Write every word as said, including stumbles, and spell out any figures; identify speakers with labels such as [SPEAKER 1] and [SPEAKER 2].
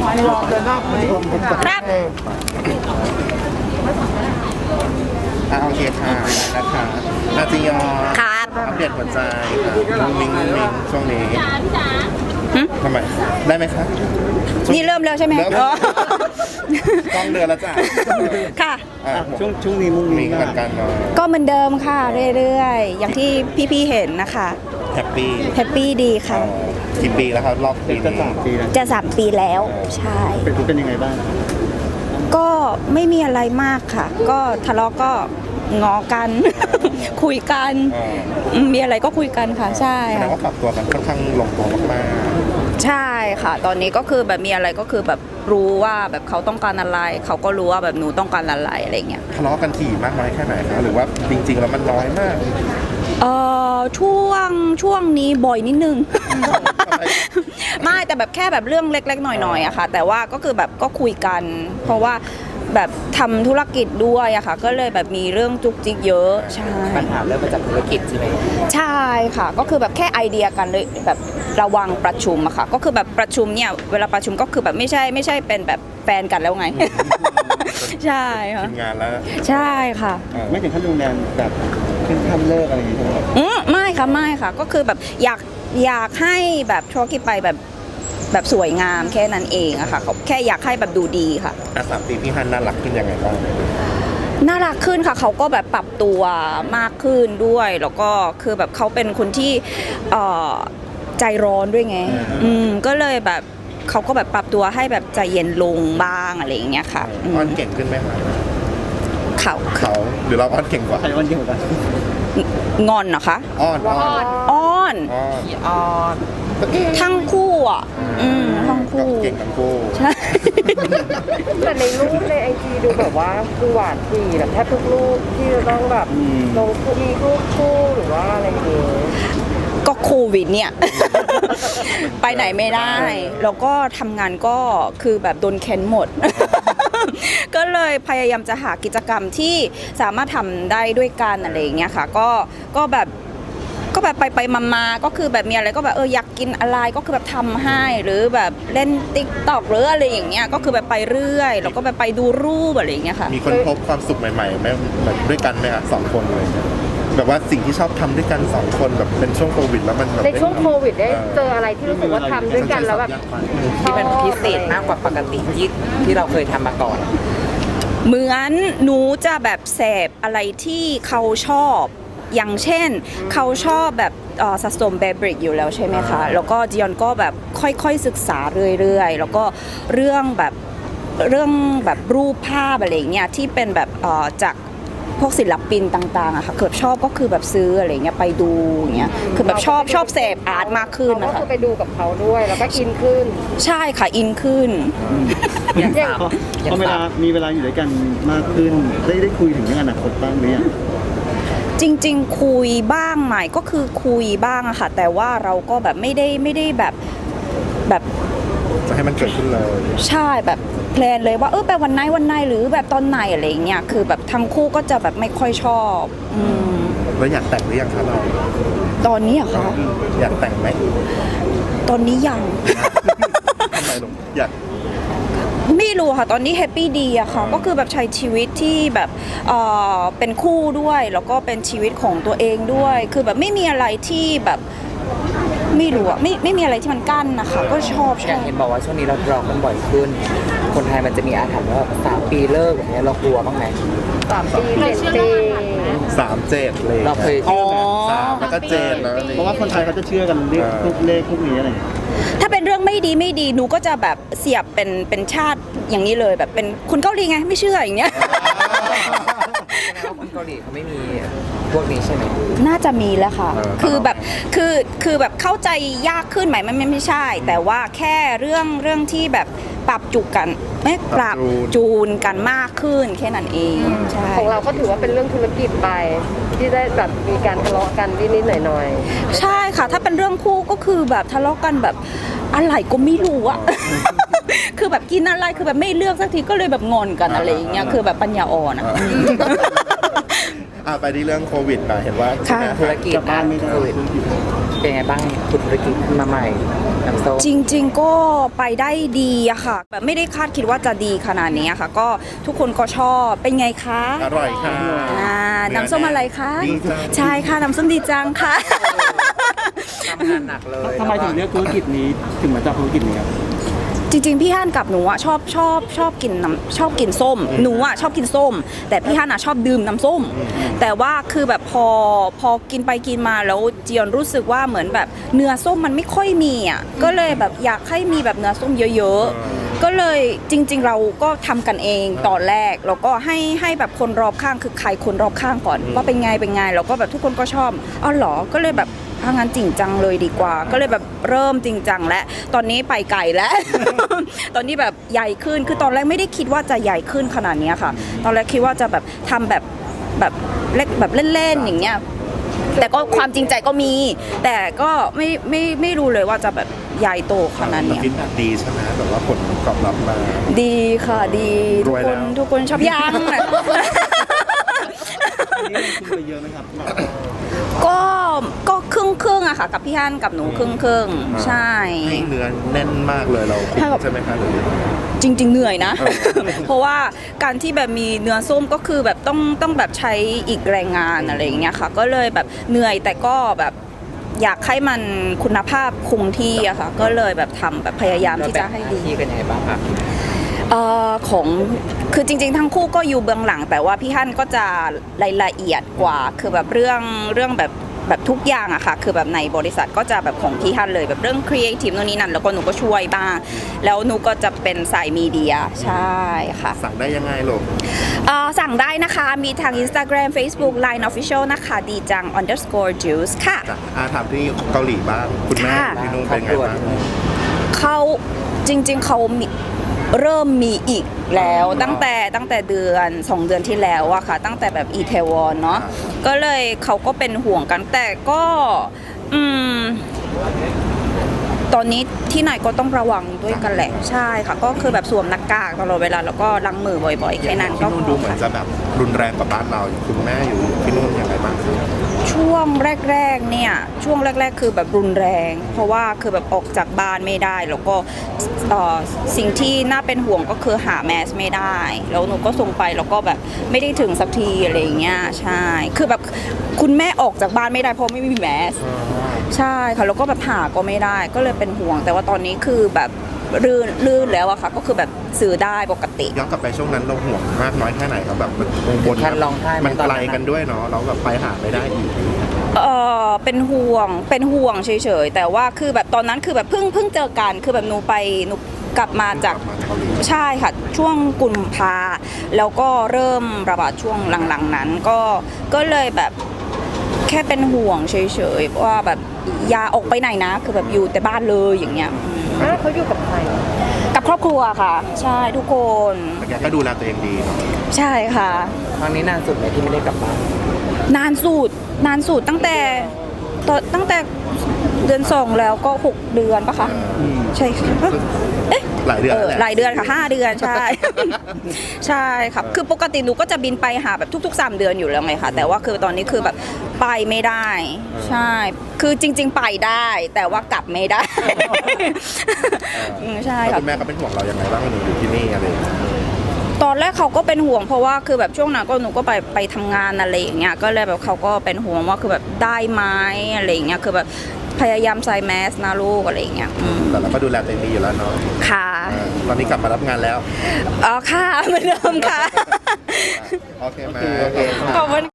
[SPEAKER 1] รอเดินหน้าไป
[SPEAKER 2] ครับ
[SPEAKER 3] อ่าโอเคค่ะนะคะอาจิยอ
[SPEAKER 2] ครับ
[SPEAKER 3] อัปเดตหัวใจค่ะมิงมิงมิงช่วงนี้ทำไมได้ไหมคะ
[SPEAKER 2] นี่เริ่มแล้วใช่ไหม
[SPEAKER 3] เริ่ม
[SPEAKER 2] อ๋อ
[SPEAKER 3] ต้องเดือนแล้วจ้ะ
[SPEAKER 2] ค่ะ
[SPEAKER 3] อ่ะ
[SPEAKER 1] ช่วงช่วงนี้มุ้ง
[SPEAKER 3] มิ
[SPEAKER 1] มิ้
[SPEAKER 3] ง
[SPEAKER 1] ง
[SPEAKER 3] เหมือนกันเนาะ
[SPEAKER 2] ก็เหมือนเดิมค่ะเรื่อยๆ อย่างที่พี่ๆเห็นนะคะ
[SPEAKER 3] แฮปปี้
[SPEAKER 2] แฮปปี้ดีค่ะ
[SPEAKER 3] กี่ปีแล้วครับรอบปี
[SPEAKER 1] จะ
[SPEAKER 3] นี้
[SPEAKER 1] สามปีแล้ว
[SPEAKER 2] จะสามปีแล้วใช่
[SPEAKER 1] เป็นเป็นยังไงบ้าง
[SPEAKER 2] ก็ไม่มีอะไรมากค่ะ ก็ทะเลาะก็งอกัน คุยกัน
[SPEAKER 3] อ่า
[SPEAKER 2] อืมมีอะไรก็คุยกันค่ะ ใช่
[SPEAKER 3] แสดง
[SPEAKER 2] ค่ะ
[SPEAKER 3] ว่าปรับตัวกันค่อนข้างลงตัวมาก
[SPEAKER 2] ใช่ค่ะ ตอนนี้ก็คือแบบมีอะไรก็คือแบบรู้ว่าแบบเขาต้องการอะไร เขาก็รู้ว่าแบบหนูต้องการอะไรอะไรเงี้ย
[SPEAKER 3] ๆทะเลาะกันถี่มากน้อยแค่ไหนคะหรือว่าจริงๆแล้วมันน้อยมาก
[SPEAKER 2] เอ่อช่วงช่วงนี้บ่อยนิดนึง ไม่แต่แบบแค่แบบเรื่องเล็กๆหน่อยๆอะค่ะ แต่ว่าก็คือแบบก็คุยกัน เพราะว่าแบบทำธุรกิจด้วยอะค่ะ ก็เลยแบบมีเรื่องจุกจิกเยอะใช่
[SPEAKER 4] ปัญหาเริ่มมาจากธุรกิจใช่ไหม
[SPEAKER 2] ใช่ค่ะ ก็คือแบบแค่ไอเดียกันเลยแบบระวังประชุมอะค่ะ ก็คือแบบประชุมเนี่ยเวลาประชุมก็คือแบบไม่ใช่ไม่ใช่เป็นแบบแฟนกันแล้วไง ใช่ค่ะ
[SPEAKER 3] ทีมงานแล้ว
[SPEAKER 2] ใช่ค่ะ
[SPEAKER 3] เออ
[SPEAKER 1] ไม่ถึงขั้นรุนแรงแบบขึ้นขั้นเลิกอะไรอย่างเงี้ยใช่ไหมครับ
[SPEAKER 2] อืมไม่ค่ะไม่ค่ะ ก็คือแบบอยากอยากให้แบบธุรกิจไปแบบแบบสวยงามแค่นั้นเองอะค่ะเขาแค่อยากให้แบบดูดีค่ะ
[SPEAKER 3] อ่ะสามปีพี่ฮันน่ารักขึ้นยังไงบ้าง
[SPEAKER 2] น่ารักขึ้นค่ะเขาก็แบบปรับตัวมากขึ้นด้วย แล้วก็คือแบบเขาเป็นคนที่เอ่อใจร้อนด้วยไง อืมก็เลยแบบเขาก็แบบปรับตัวให้แบบใจเย็นลงบ้างอะไรอย่างเงี้ยค่ะอืม
[SPEAKER 3] อ้อนเก่งขึ้นไหมคะ
[SPEAKER 2] เขา
[SPEAKER 3] เขาหรือเราอ้อนเก่งกว่า
[SPEAKER 1] ใครวันเดียวกัน
[SPEAKER 2] งอนเหรอคะ
[SPEAKER 3] อ้อนอ้อน
[SPEAKER 2] อ้อน
[SPEAKER 3] อ้อน
[SPEAKER 4] พี่ออน
[SPEAKER 2] ทั้งคู่อ่ะอืมทั้งคู่
[SPEAKER 3] เก่งทั้งคู่
[SPEAKER 2] ใช่
[SPEAKER 5] แต่ในรูปในไอจีดูแบบว่าคือหวานดีแบบแทบทุกรูปที่จะต้องแบบลงมีรูปคู่หรือว่าอะไรอย่างเงี้ย
[SPEAKER 2] ก็โควิดเนี่ย ไปไหนไม่ได้ แล้วก็ทำงานก็คือแบบโดนเค้นหมด ก็เลยพยายามจะหากิจกรรมที่สามารถทำได้ด้วยกันอะไรอย่างเงี้ยค่ะ ก็ก็แบบก็แบบไปไปมามาก็คือแบบมีอะไรก็แบบเอออยากกินอะไรก็คือแบบทำให้หรือแบบเล่นติ๊กต็อกหรืออะไรอย่างเงี้ยก็คือแบบไปเรื่อยแล้วก็แบบไปดูรูปอะไรอย่างเงี้ยค่ะ
[SPEAKER 3] มีคนพบความสุขใหม่ๆไหมแบบด้วยกันไหมคะสองคนเลยแบบว่าสิ่งที่ชอบทำด้วยกันสองคนแบบเป็นช่วงโควิดแล้วมันแบบ
[SPEAKER 5] ในช่วงโควิดได้เจออะไรที่รู้สึกว่าทำด้วยกันแล้วแบบ
[SPEAKER 4] ที่มันพิเศษมากกว่าปกติที่ที่เราเคยทำมาก่อน
[SPEAKER 2] เหมือนหนูจะแบบเสพอะไรที่เขาชอบ อย่างเช่นเขาชอบแบบเอ่อสะสมแบบริกอยู่แล้วใช่ไหมคะ แล้วก็จียอนก็แบบค่อยๆศึกษาเรื่อยๆ แล้วก็เรื่องแบบเรื่องแบบรูปภาพอะไรเงี้ยที่เป็นแบบเอ่อจากพวกศิลปินต่างๆอะค่ะคือแบบชอบก็คือแบบซื้ออะไรเงี้ยไปดูอย่างเงี้ยคือแบบชอบชอบเสพอาร์ตมากขึ้น
[SPEAKER 5] เรา
[SPEAKER 2] นะ
[SPEAKER 5] ก็
[SPEAKER 2] คะ
[SPEAKER 5] คือไปดูกับเขาด้วยแล้วก็อินขึ้น
[SPEAKER 2] ใช่ค่ะอินขึ้น
[SPEAKER 4] อย่าง
[SPEAKER 5] อย่าง
[SPEAKER 4] สาม
[SPEAKER 1] พอ
[SPEAKER 4] อย่า
[SPEAKER 1] พอง เวลา
[SPEAKER 4] สาม
[SPEAKER 1] มีเวลาอยู่ด้วยกันมากขึ้น ได้ได้คุยถึงเรื่องอนาคตบ้างหรือยัง
[SPEAKER 2] จริงๆ คุยบ้างไหมก็คือคุยบ้างอะค่ะ แต่ว่าเราก็แบบไม่ได้ไม่ได้แบบแบบ
[SPEAKER 3] จะให้มันเกิดขึ้นเลย
[SPEAKER 2] ใช่แบบแพลนเลยว่าเออไปวันไหนวันไหนหรือแบบตอนไหนอะไรอย่างเงี้ยคือแบบทั้งคู่ก็จะแบบไม่ค่อยชอบอืม
[SPEAKER 3] แล้วอยากแต่งหรือยังคะเรา
[SPEAKER 2] ตอนนี้อะคะ
[SPEAKER 3] อยากแต่งไหม
[SPEAKER 2] ตอนนี้ยัง
[SPEAKER 3] ทำไมลงอยาก
[SPEAKER 2] ไม่รู้ค่ะตอนนี้แฮปปี้ดีอะค่ะก็คือแบบใช้ชีวิตที่แบบเอ่อเป็นคู่ด้วย แล้วก็เป็นชีวิตของตัวเองด้วย คือแบบไม่มีอะไรที่แบบไม่รู้อะไม่ไม่มีอะไรที่มันกั้นนะคะก็ชอบช
[SPEAKER 4] อย่า
[SPEAKER 2] อง บ
[SPEAKER 4] เห็นบอกว่าช่วงนี้เราทะเลาะกันบ่อยขึ้น คนไทยมันจะมีอาถรรพ์ว่าสามปีเลิกอย่างเงี้ยเรากลัวบ้างไหม
[SPEAKER 5] สามปีเจ็ดปี
[SPEAKER 3] สามเจ็ดเลย
[SPEAKER 4] เราเคย
[SPEAKER 2] อ๋อ
[SPEAKER 3] สามแล้วก็เจ็ดแล้ว
[SPEAKER 1] เพราะว่าคนไทยเขาจะเชื่อกันเรื่องพวกเลขพวกนี้อะไรอย่างเงี้ย
[SPEAKER 2] ถ้าเป็นเรื่องไม่ดีไม่ดีหนูก็จะแบบเสียบเป็นเป็นชาติอย่างนี้เลยแบบเป็นคนเกาหลีไงไม่เชื่ออย่างเงี้ย
[SPEAKER 4] แสดงว่าคนเกาหลีเขาไม่มีพวกนี้ใช่ไหม
[SPEAKER 2] น่าจะมีแล้วค่ะ คือแบบคือคือแบบเข้าใจยากขึ้นไหมมันไม่ไม่ใช่ แต่ว่าแค่เรื่องเรื่องที่แบบปรับจุกกันไม่ปรับจูนกันมากขึ้นแค่นั้นเองใช่
[SPEAKER 5] ของเราก็ถือว่าเป็นเรื่องธุรกิจไป ที่ได้แบบมีการทะเลาะกันนิดๆหน่อย
[SPEAKER 2] ใช่ค่ะ ถ้าเป็นเรื่องคู่ก็คือแบบทะเลาะกันแบบอะไรก็ไม่รู้อะ คือแบบกินอะไรคือแบบไม่เลือกสักทีก็เลยแบบงอนกันอะไรอย่างเงี้ยคือแบบปัญญาอ่อนอะ
[SPEAKER 3] อ่ะไปที่เรื่องโควิดหน่อยเห็นว่า
[SPEAKER 2] ค่ะ
[SPEAKER 4] ธุรกิจ
[SPEAKER 1] กลับบ้านไม่ได้
[SPEAKER 4] โควิดเป็นไงบ้างคุณธุรกิจขึ้นมาใหม่น้ำส้ม
[SPEAKER 2] จริงๆก็ไปได้ดีอะค่ะ แบบไม่ได้คาดคิดว่าจะดีขนาดนี้อะค่ะ ก็ทุกคนก็ชอบเป็นไงคะ
[SPEAKER 3] อร่อยค่ะ
[SPEAKER 2] อ่าน้ำส้มอะไรคะ
[SPEAKER 3] ดีจัง
[SPEAKER 2] ใช่ค่ะน้ำส้มดีจังค่ะ
[SPEAKER 4] ทำงานหนักเลย
[SPEAKER 1] ทำไมถึงเลือกธุรกิจนี้ถึงมาจับธุรกิจนี้ครับ
[SPEAKER 2] จริงๆพี่ฮั่นกับหนูอะชอบชอบชอบกินน้ำชอบกินส้มหนูอะชอบกินส้ม แต่พี่ฮั่นอะชอบดื่มน้ำส้ม แต่ว่าคือแบบพอพอกินไปกินมาแล้วเจียนรู้สึกว่าเหมือนแบบเนื้อส้มมันไม่ค่อยมีอะก็เลยแบบอยากให้มีแบบเนื้อส้มเยอะๆก็เลยจริง ๆ เราก็ทำกันเองตอนแรกแล้วก็ให้ให้แบบคนรอบข้างคือใครคนรอบข้างก่อนว่าเป็นไงเป็นไงแล้วก็แบบทุกคนก็ชอบอ๋อเหรอก็เลยแบบทางงานจริงจังเลยดีกว่า ก็เลยแบบเริ่มจริงจังแล้วตอนนี้ไปไกลแล้ว ตอนนี้แบบใหญ่ขึ้นคือตอนแรกไม่ได้คิดว่าจะใหญ่ขึ้นขนาดนี้ค่ะ ตอนแรกคิดว่าจะแบบทำแบบแบบเล็กแบบเล่นๆอย่างเงี้ยแต่ก็ความจริงใจก็มี แต่ก็ไม่ไม่ไม่รู้เลยว่าจะแบบใหญ่โตขนาด
[SPEAKER 3] แต่
[SPEAKER 2] เนี้ย
[SPEAKER 3] ฟีดแบ็กดีใช่ไหมแบบว่าผลตอบรับมา
[SPEAKER 2] ดีค่ะดีทุก
[SPEAKER 3] รวย
[SPEAKER 2] ค
[SPEAKER 3] แล้
[SPEAKER 2] น
[SPEAKER 3] ว
[SPEAKER 2] ทุกคนชอบยัง
[SPEAKER 1] นี่ลงทุนไปเยอะไหมครับ
[SPEAKER 2] ก็ก็ครึ่งครึ่งๆอะค่ะ กับพี่ฮั่นกับหนูครึ่งครึ่งๆใช่
[SPEAKER 3] ให้เนื้อแน่นมากเลยเราคุมใช่ไหมคะหรือ
[SPEAKER 2] จริง ๆ เหนื่อยนะ
[SPEAKER 3] เออ
[SPEAKER 2] เพราะว่าการที่แบบมีเนื้อส้มก็คือแบบต้องต้องแบบใช้อีกแรงงานอะไรอย่างเงี้ยค่ะ ก็เลยแบบเหนื่อยแต่ก็แบบอยากให้มันคุณภาพคงที่อะค่ะ ก็เลยแบบทำแบบพยายามที่จะให้ดี
[SPEAKER 4] ที่กันยังไงบ้างครับ
[SPEAKER 2] เอ่อของคือจริงๆทั้งคู่ก็อยู่เบื้องหลัง แต่ว่าพี่ฮั่นก็จะรายละเอียดกว่า คือแบบเรื่องเรื่องแบบแบบทุกอย่างอะค่ะคือแบบในบริษัทก็จะแบบของพี่ฮั่นเลยแบบเรื่องครีเอทีฟโน่นนี่นั่นแล้วก็หนูก็ช่วยบ้างแล้วหนูก็จะเป็นสายมีเดียใช่ค่ะ
[SPEAKER 3] สั่งได้ยังไงลูก
[SPEAKER 2] เอ่อสั่งได้นะคะมีทาง Instagram Facebook Line Official นะคะดีจัง underscore juice ค่ะ
[SPEAKER 3] จ้ะอาถามที่เกาหลีบ้างคุณแม่
[SPEAKER 2] ค่ะ
[SPEAKER 3] ที่นู่นเป็นไงบ้าง
[SPEAKER 2] เขาจริงๆเขามีเริ่มมีอีกแล้วตั้งแต่ตั้งแต่เดือนสองเดือนที่แล้วอะค่ะ ตั้งแต่แบบอีเทวอนเนาะก็เลยเขาก็เป็นห่วงกันแต่ก็อืมตอนนี้ที่ไหนก็ต้องระวังด้วยกันแหละใช่ค่ะ ก็คือแบบสวมหน้ากากตลอดเวลาแล้วก็ล้างมือบ่อยๆแค่นั้นก็
[SPEAKER 3] ที่นู่น
[SPEAKER 2] พ
[SPEAKER 3] ดู
[SPEAKER 2] อ
[SPEAKER 3] เหมือน
[SPEAKER 2] ค่ะ
[SPEAKER 3] จะแบบรุนแรงกว่าบ้านเราคุณแม่อยู่ที่นู่นยังไงบ้าง
[SPEAKER 2] ช่วงแรกๆเนี่ยช่วงแรก ๆ คือแบบรุนแรง เพราะว่าคือแบบออกจากบ้านไม่ได้ แล้วก็เอ่อสิ่งที่น่าเป็นห่วงก็คือหาแมสไม่ได้แล้วหนูก็ส่งไปแล้วก็แบบไม่ได้ถึงสักทีอะไรอย่างเงี้ยใช่คือแบบคุณแม่ออกจากบ้านไม่ได้เพราะไม่มีแมสใช่ค่ะแล้วก็แบบหาก็ไม่ได้ก็เลยเป็นห่วง แต่ว่าตอนนี้คือแบบลื่นลื่นแล้วอะค่ะก็คือแบบซื้อได้ปกติ
[SPEAKER 3] ย้อนกลับไปช่วงนั้นเราห่วงมากน้อยแค่ไหนครับแบบมันบน
[SPEAKER 4] ท่านร้องไห้ไหม
[SPEAKER 3] มัน
[SPEAKER 4] ตอน
[SPEAKER 3] ไกล
[SPEAKER 4] นั้น
[SPEAKER 3] กันด้วยเนาะเราแบบไปหาไม่ได้อีก
[SPEAKER 2] เออเป็นห่วงเป็นห่วงเฉยๆแต่ว่าคือแบบตอนนั้นคือแบบเพิ่งเพิ่งเจอกันคือแบบหนูไปหนูกลับมาจาก
[SPEAKER 3] มาจากเกาหลี
[SPEAKER 2] ใช่ค่ะช่วงกุมภาแล้วก็เริ่มระบาดช่วงหลังๆนั้นก็ก็เลยแบบแค่เป็นห่วงเฉยๆว่าแบบอย่าออกไปไหนนะ คือแบบอยู่แต่บ้านเลยอย่างเงี้ย
[SPEAKER 5] อ้าวเขาอยู่กับใคร
[SPEAKER 2] กับครอบครัวค่ะ ใช่ทุกคน
[SPEAKER 3] แต่แกก็ดูแลตัวเองดีเนาะ
[SPEAKER 2] ใช่ค่ะ
[SPEAKER 4] ครั้งนี้นานสุดไหมที่ไม่ได้กลับบ้าน
[SPEAKER 2] นานสุดนานสุดตั้งแต่ตอนตั้งแต่เดือนสองแล้วก็หกเดือนปะคะใช่ค่ะเอ๊ะ
[SPEAKER 3] หลายเดือน
[SPEAKER 2] เออ
[SPEAKER 3] แวแะ
[SPEAKER 2] หลายเดือนค่ะห้าเดือนใช่ ใช่ครับคือปกติหนูก็จะบินไปหาแบบทุกๆสามเดือนอยู่แล้วไงค่ะแต่ว่าคือตอนนี้คือแบบไปไม่ได้ ใช่ คือจริง ๆ ไปได้ แต่ว่ากลับไม่ได้ อืมใช่
[SPEAKER 3] แล้ว
[SPEAKER 2] ค่ะ
[SPEAKER 3] คุณแม่ก็เป็นห่วงเรายังไงบ้างหนูอยู่ที่นี่อะไรอย่างเงี้ย
[SPEAKER 2] ตอนแรกเขาก็เป็นห่วงเพราะว่าคือแบบช่วงนั้นก็หนูก็ไปไปทำงานอะไรอย่างเงี้ยก็เลยแบบเขาก็เป็นห่วงว่าคือแบบได้ไหมอะไรอย่างเงี้ยคือแบบพยายามใส่แมสนะลูกอะไรอย่างเงี้ยอืม
[SPEAKER 3] แต่เราก็ดูแลตัวเองดีอยู่แล้วเนาะ
[SPEAKER 2] ค่ะ
[SPEAKER 3] เออตอนนี้กลับมารับงานแล้ว
[SPEAKER 2] อ๋อค่ะเหมือนเดิมค่ะ
[SPEAKER 3] โอเคไหม
[SPEAKER 4] โอเค
[SPEAKER 2] ขอบคุณ